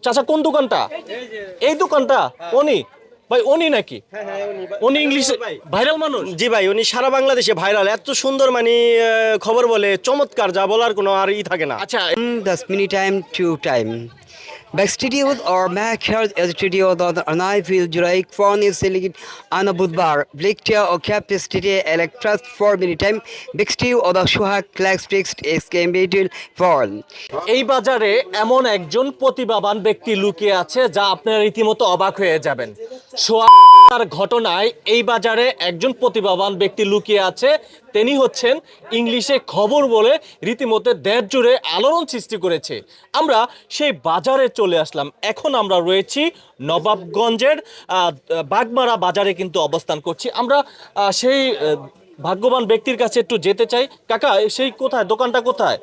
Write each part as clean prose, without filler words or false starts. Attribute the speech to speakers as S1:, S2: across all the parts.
S1: চাচা কোন দোকানটা? এই দোকানটা? উনি ভাই উনি নাকি? উনি ইংলিশে ভাইরাল মানুষ?
S2: জি ভাই, উনি সারা বাংলাদেশে ভাইরাল। এত সুন্দর মানে খবর বলে, চমৎকার, যা বলার কোনো আর থাকে না।
S1: আচ্ছা
S3: Das Minitime to Time. Backstudio or Mac Health Studio da Anayfil Juraik Phone is Silicon Anna Budbar, Bliktia or Capacity Electras for Minitime, Backstudio or the Shuhak Clax Fixed Escambated Phone.
S1: এই বাজারে এমন একজন প্রতিভাবান ব্যক্তি লুকিয়ে আছে যা আপনারা রীতিমতো অবাক হয়ে যাবেন। সোয়ার ঘটনায় এই বাজারে একজন প্রতিভাবান ব্যক্তি লুকিয়ে আছে। তিনি হচ্ছেন ইংলিশে খবর বলে রীতিমতো দেশ জুড়ে আলোড়ন সৃষ্টি করেছে। আমরা সেই বাজারে চলে আসলাম। এখন আমরা রয়েছি নবাবগঞ্জের বাগমারা বাজারে কিন্তু অবস্থান করছি। আমরা সেই ভাগ্যবান ব্যক্তির কাছে একটু যেতে চাই। কাকা সেই কোথায়, দোকানটা কোথায়?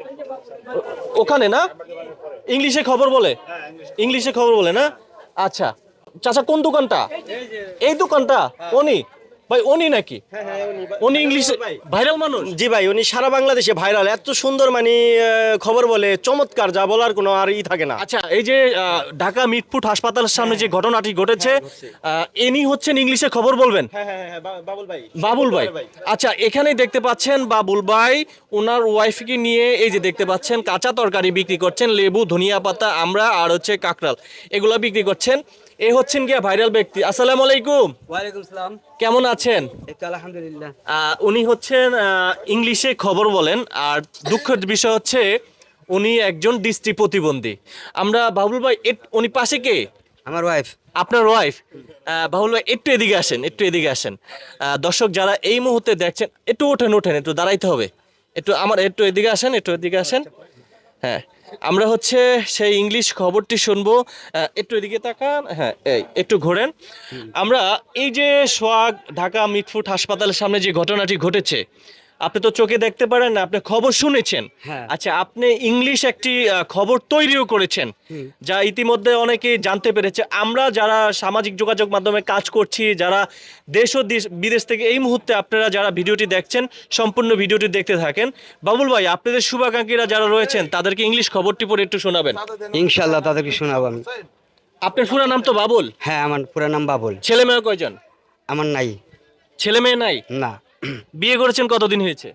S1: ওখানে না? ইংলিশে খবর বলে? ইংলিশে খবর বলে না? আচ্ছা চাচা কোন দোকানটা? এই দোকানটা? উনি ভাই উনি নাকি? উনি ইংলিশে ভাইরাল মানুষ?
S2: জি ভাই, উনি সারা বাংলাদেশে ভাইরাল। এত সুন্দর মানে খবর বলে, চমৎকার, যা বলার কোনো আর থাকে না।
S1: আচ্ছা এই যে ঢাকা মিটফুট হাসপাতালের সামনে যে ঘটনাটি ঘটেছে, ইনি হচ্ছেন ইংলিশে খবর বলবেন?
S2: বাবুল ভাই।
S1: বাবুল ভাই। আচ্ছা এখানেই দেখতে পাচ্ছেন বাবুল ভাই ওনার ওয়াইফকে নিয়ে এই যে দেখতে পাচ্ছেন কাঁচা তরকারি বিক্রি করছেন, লেবু, ধনিয়া পাতা, আমড়া আর হচ্ছে কাকরাল, এগুলা বিক্রি করছেন। এ হচ্ছেন গিয়া ভাইরাল ব্যক্তি। আসসালামু আলাইকুম।
S3: ওয়ালাইকুম সালাম।
S1: কেমন আছেন?
S3: আলহামদুলিল্লাহ।
S1: উনি হচ্ছেন ইংলিশে খবর বলেন। আর দুঃখের বিষয় হচ্ছে উনি একজন দৃষ্টি প্রতিবন্ধী। আমরা বাবুল ভাই উনি পাশে কে?
S3: আমার ওয়াইফ।
S1: আপনার ওয়াইফ? বাবুল ভাই একটু এদিকে আসেন, একটু এদিকে আসেন। দর্শক যারা এই মুহূর্তে দেখছেন একটু ওঠেন, একটু দাঁড়াইতে হবে। একটু এদিকে আসেন, একটু এদিকে আসেন। হ্যাঁ আমরা হচ্ছে সেই ইংলিশ খবরটি শুনবো। একটু এদিকে তাকান, হ্যাঁ এই একটু ঘোরেন। আমরা এই যে সোহাগ ঢাকা মিটফুট হাসপাতালের সামনে যে ঘটনাটি ঘটেছে, আপনি তো চোখে দেখতে পারেন না, আপনি খবর শুনেছেন।
S3: হ্যাঁ।
S1: আচ্ছা আপনি ইংলিশ একটি খবর তৈরিও করেছেন, যা ইতিমধ্যে অনেকে জানতে পেরেছে। আমরা যারা সামাজিক যোগাযোগ মাধ্যমে কাজ করছি, যারা দেশ ও বিদেশ থেকে এই মুহূর্তে আপনারা যারা ভিডিওটি দেখছেন, সম্পূর্ণ ভিডিওটি দেখতে থাকেন। বাবুল ভাই আপনাদের শুভাকাঙ্ক্ষীরা যারা রয়েছেন তাদেরকে ইংলিশ খবরটি পড়ে একটু শোনাবেন।
S3: ইনশাআল্লাহ তাদেরকে শোনাবো আমি।
S1: আপনার পুরো নাম তো বাবুল?
S3: হ্যাঁ, আমার পুরো নাম বাবুল।
S1: ছেলে মেয়ে কয়জন?
S3: আমার নাই।
S1: ছেলে মেয়ে নাই?
S3: না।
S1: বিয়ে করেছেন কতদিন হয়েছে?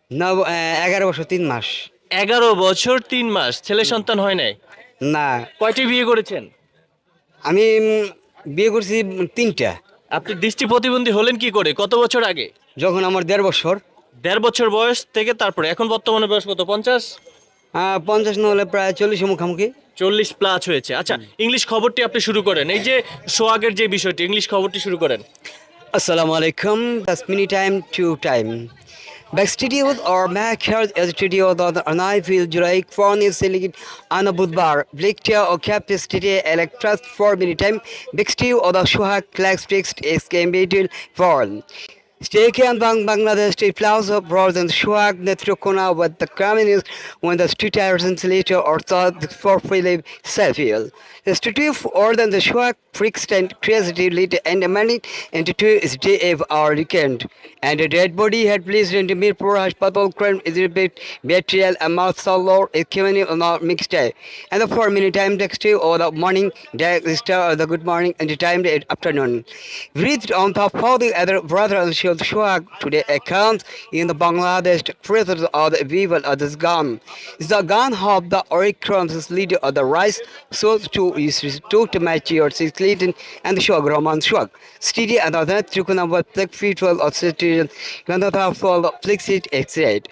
S3: 11 বছর 3 মাস।
S1: 11 বছর 3 মাস, ছেলে সন্তান হয় নাই?
S3: না,
S1: কয়টি বিয়ে করেছেন?
S3: আমি বিয়ে করছি 3টা।
S1: আপনি দৃষ্টি প্রতিবন্ধী হলেন কি করে, কত বছর আগে?
S3: যখন আমার 1.5 বছর।
S1: 1.5 বছর বয়স থেকে তারপরে এখন বর্তমানে বয়স কত, 50?
S3: 50 না হলে প্রায় 40 মুখামুখি।
S1: 40 প্লাস হয়েছে। আচ্ছা ইংলিশ খবরটি আপনি শুরু করেন। এই যে সোহাগের যে বিষয়টি, ইংলিশ খবরটি শুরু করেন।
S3: Assalamu alaikum. Das Minitime to Time. Backstudio or Mac Health Studio da Anayfil Juraik Phone is Silicon Anna Budbar, Bliktia or Capacity Electras for Minitime, Backstudio or the Shuhak Clax Fixed Escambated Phone. Stake and Bangladesh to Plaza brought in Shuhak Netrokona with the communist when the 2000 later or thought for Philip Selfield. The statue or than the Shuhak fixed and crazy later and amended into 2 is DF or weekend. And the dead body had placed into Mirpur Hospital crime is a bit material and mouth solor is given on our mixed day. And the 4-minute time text or the morning day or the good morning and the time the afternoon. Reached on top of the other brother and shield Shuhak to the account in the Bangladesh prisoners of the people of this gun. Is the gun of the Oricron's leader of the rise so to is restored to match your six Clayton and the Shog Roman Shog. Steady and other Trukuna was the featual of situation when the fall of Flixit exit.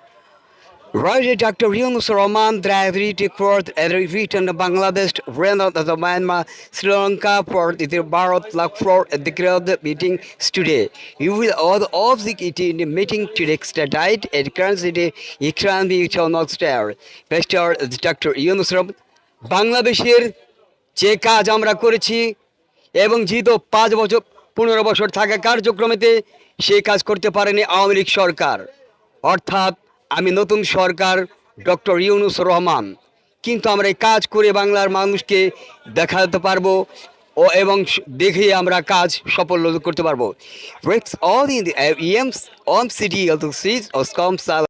S3: Roger Dr. Yunus Roman Dragri court and returned to Bangladesh, ran out of the Myanmar, Sri Lanka for the Bharat Luck for at the crowd meeting today. You will all the in the meeting to extradite at current city, Ikran be shall not stare. Pastor Dr. Yunus Roman, বাংলাদেশের যে কাজ আমরা করেছি এবং জিত 5 বছর 15 বছর থাকা কার্যক্রমেতে সেই কাজ করতে পারেনি আওয়ামী লীগ সরকার, অর্থাৎ আমি নতুন সরকার ডক্টর ইউনুস রহমান। কিন্তু আমরা এই কাজ করে বাংলার মানুষকে দেখাতে পারবো এবং দেখে আমরা কাজ সফল করতে পারবো। Breaks all in the EMs on city of the seas of